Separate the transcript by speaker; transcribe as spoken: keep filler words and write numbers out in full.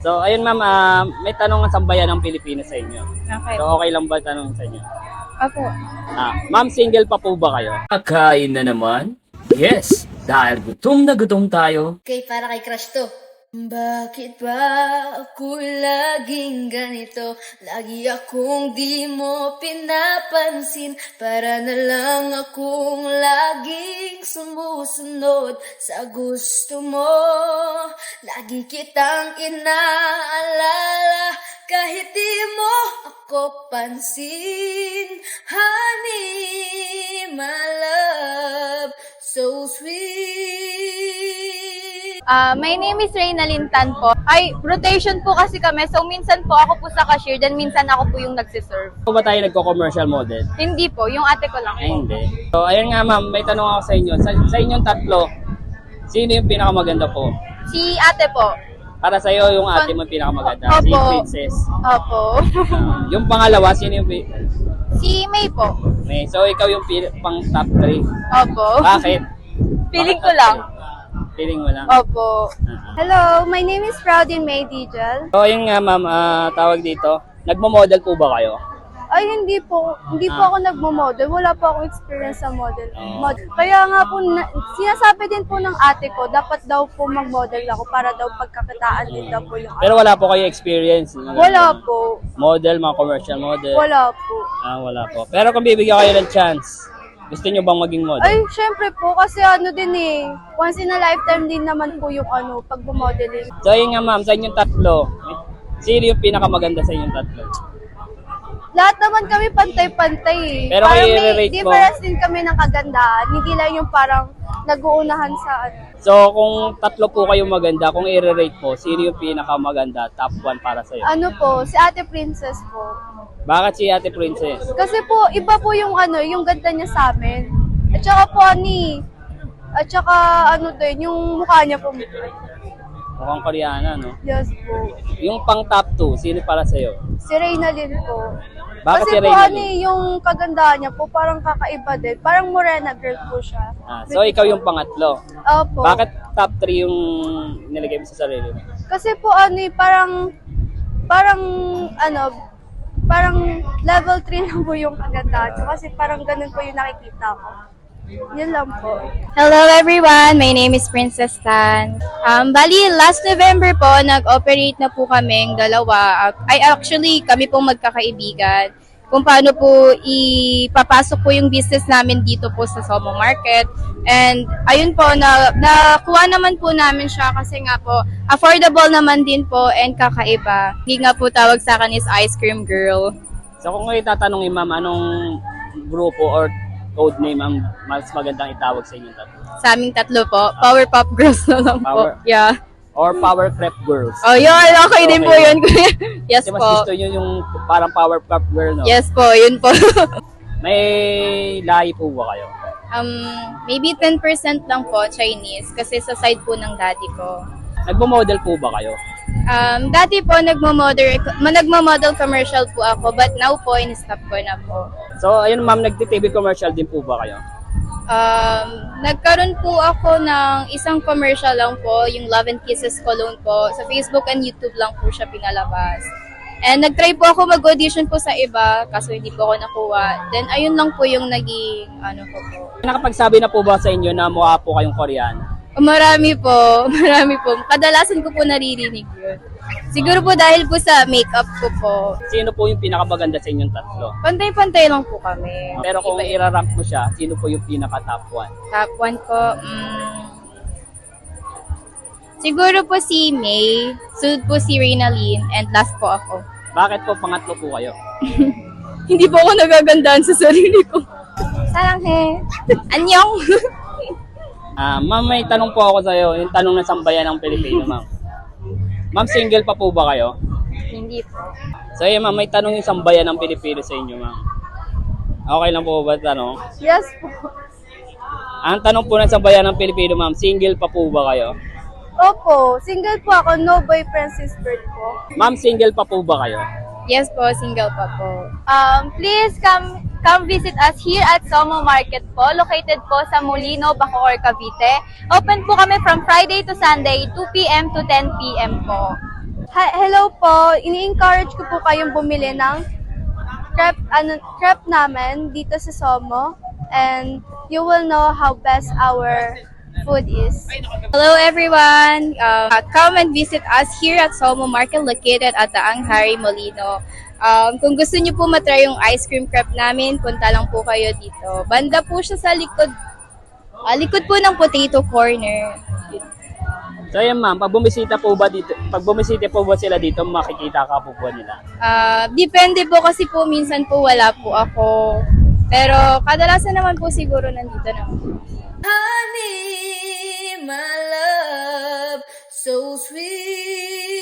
Speaker 1: So, ayun ma'am, ah, may tanong ang sambayan ng Pilipinas sa inyo.
Speaker 2: Okay.
Speaker 1: So, okay lang ba tanong sa inyo?
Speaker 2: Opo.
Speaker 1: Ah, ma'am, single pa po ba kayo?
Speaker 3: Kakain na naman? Yes, dahil gutom na gutom tayo.
Speaker 4: Okay, para kay crush to. Bakit ba ako laging ganito? Lagi akong di mo pinapansin. Para na lang akong laging sumusunod sa gusto mo. Lagi kitang inaalala kahit di mo ako pansin. Honey, my love, so sweet.
Speaker 2: Ah, my name is Reynalyn Tan po. Ay, rotation po kasi kami. So, minsan po ako po sa cashier, then minsan ako po yung nagsiserve.
Speaker 1: Po ba tayo nagko-commercial model?
Speaker 2: Hindi po, yung ate ko lang
Speaker 1: Ay,
Speaker 2: po.
Speaker 1: hindi. So, ayun nga ma'am, may tanong ako sa inyo. Sa, sa inyong tatlo, sino yung pinakamaganda po?
Speaker 2: Si ate po.
Speaker 1: Para sa iyo, yung ate mo yung pinakamaganda. Si
Speaker 2: Opo.
Speaker 1: Princess.
Speaker 2: Opo.
Speaker 1: Ah, yung pangalawa, sino yung pi-
Speaker 2: Si May po.
Speaker 1: May, so, ikaw yung pi- pang top three.
Speaker 2: Opo.
Speaker 1: Bakit?
Speaker 2: Feeling
Speaker 1: Bakit
Speaker 2: ko
Speaker 1: top
Speaker 2: lang.
Speaker 1: three? Feeling mo lang.
Speaker 2: Opo.
Speaker 1: Ah.
Speaker 2: Hello, my name is Proudin May Dijal.
Speaker 1: So, ayun nga ma'am, ah, tawag dito. Nagmo-model po ba kayo?
Speaker 2: Ay, hindi po. Hindi po
Speaker 1: Ah.
Speaker 2: ako nagmo-model. Wala po akong experience sa model.
Speaker 1: Oh.
Speaker 2: model. Kaya nga po, na, sinasabi din po ng ate ko, dapat daw po mag-model ako para daw pagkakitaan din daw po yung
Speaker 1: Pero wala po kayo experience. Mga
Speaker 2: Wala
Speaker 1: ganun.
Speaker 2: po.
Speaker 1: Model, mga commercial model.
Speaker 2: Wala po.
Speaker 1: Ah, wala po. Pero kung bibigyan kayo ng chance, gusto nyo bang maging model?
Speaker 2: Ay, syempre po, kasi ano din eh, once in a lifetime din naman po yung ano, pag-modeling.
Speaker 1: So, ayun nga ma'am, sa inyong tatlo, sino yung pinakamaganda sa inyong tatlo?
Speaker 2: Lahat naman kami pantay-pantay eh.
Speaker 1: Pero
Speaker 2: parang
Speaker 1: kayo
Speaker 2: may
Speaker 1: i-rate mo?
Speaker 2: difference din kami ng kagandahan. Hindi lang yung parang nag-uunahan sa ano.
Speaker 1: So, kung tatlo po kayong maganda, kung i-rate po, sino yung pinakamaganda, top one para sa'yo?
Speaker 2: Ano po, si Ate Princess po.
Speaker 1: Bakit si Ate Princess?
Speaker 2: Kasi po, iba po yung ano, yung ganda niya sa amin. At saka po, ani, at saka ano din, yung mukha niya po.
Speaker 1: Mukhang Koreana, no?
Speaker 2: Yes po.
Speaker 1: Yung pang top two, sino para sa'yo?
Speaker 2: Si Reynalyn po.
Speaker 1: Bakit
Speaker 2: Kasi
Speaker 1: si
Speaker 2: po,
Speaker 1: Reynalyn?
Speaker 2: ani, yung kagandahan niya po, parang kakaiba din. Parang morena girl po siya.
Speaker 1: Ah, so, ikaw yung pangatlo.
Speaker 2: Opo.
Speaker 1: Bakit top three yung nilagay mo sa sarili mo?
Speaker 2: Kasi po, ano, eh, parang, parang, ano, parang level three lang po yung kagandahan. So, kasi parang ganun po yung nakikita ko. Yun lang po.
Speaker 5: Hello everyone, my name is Princess Tan. Um, bali, last November po, nag-operate na po kaming dalawa. Ay, actually, kami pong magkakaibigan. Kung paano po ipapasok po yung business namin dito po sa Somo Market. And ayun po, na, nakuha naman po namin siya kasi nga po, affordable naman din po and kakaiba. Hindi nga po tawag sa akin is Ice Cream Girl.
Speaker 1: So, kung kayo tatanungin ma'am, anong grupo or code name ang mas magandang itawag sa inyong tatlo?
Speaker 5: Sa aming tatlo po, Powerpuff Girls na lang
Speaker 1: Power-
Speaker 5: po. Yeah.
Speaker 1: Or Power Crep Girls?
Speaker 5: Oh, yun. Okay, din po
Speaker 1: Okay.
Speaker 5: yun. Yes
Speaker 1: Kasi mas
Speaker 5: po.
Speaker 1: gusto nyo yung parang Power Crep Girl, no?
Speaker 5: Yes po, yun po.
Speaker 1: May lahi po ba kayo?
Speaker 5: um, maybe ten percent lang po Chinese kasi sa side po ng daddy ko.
Speaker 1: Nagmo-model po ba kayo?
Speaker 5: Um, dati po nagmo-model, nagmo-model commercial po ako but now po in-stop ko na po.
Speaker 1: So, ayun ma'am, nagti-T V commercial din po ba kayo?
Speaker 5: Um, nagkaroon po ako ng isang commercial lang po, yung Love and Kisses Cologne po. Sa Facebook and YouTube lang po siya pinalabas. And nag-try po ako mag-audition po sa iba, kaso hindi po ako nakuha. Then ayun lang po yung naging ano ko po.
Speaker 1: Nakapagsabi na po ba sa inyo na mukha po kayong Koreana?
Speaker 5: Marami po, marami po. Kadalasan ko po naririnig yun. Siguro po dahil po sa makeup ko po.
Speaker 1: Sino po yung pinakamaganda sa inyong tatlo?
Speaker 5: Pantay-pantay lang po kami.
Speaker 1: Pero kung
Speaker 5: Iba-
Speaker 1: irarank mo siya, sino po yung pinaka-top one?
Speaker 5: Top one ko, mm, siguro po si May, sunod po si Reynalyn, and last po ako.
Speaker 1: Bakit po pangatlo po kayo?
Speaker 5: Hindi po ako nagagandaan sa sarili ko. Sarang he. Anyong.
Speaker 1: Ah, ma'am, may tanong po ako sa iyo, yung tanong ng sambayan ng Pilipino, ma'am. Ma'am, single pa po ba kayo?
Speaker 5: Hindi po.
Speaker 1: So, yun, ma'am, may tanong yung sambayan ng Pilipino sa inyo, ma'am. Okay lang po ba tanong?
Speaker 2: Yes po.
Speaker 1: Ang tanong po ng sambayan ng Pilipino, ma'am, single pa po ba kayo?
Speaker 2: Opo, single po ako, no boyfriend sister po.
Speaker 1: Ma'am, single pa po ba kayo?
Speaker 5: Yes po, single pa po.
Speaker 2: Um, please come come visit us here at Somo Market po, located po sa Molino, Bacoor, Cavite. Open po kami from Friday to Sunday, two p m to ten p m po. Hi, hello po. Ini-encourage ko po kayong bumili ng crepe, ano, crepe namin dito sa Somo. And you will know how best our food is.
Speaker 5: Hello everyone! Uh, come and visit us here at Somo Market located at Daang Hari Molino. Um, kung gusto niyo po matry yung ice cream crepe namin, punta lang po kayo dito. Banda po siya sa likod, ah, likod po ng potato corner.
Speaker 1: So yan ma'am, pag bumisita po ba dito, pag bumisita po ba sila dito, makikita ka po po nila?
Speaker 5: Ah, depende po kasi po minsan po wala po ako. Pero kadalasan naman po siguro nandito naman.
Speaker 4: Honey, my love, so sweet.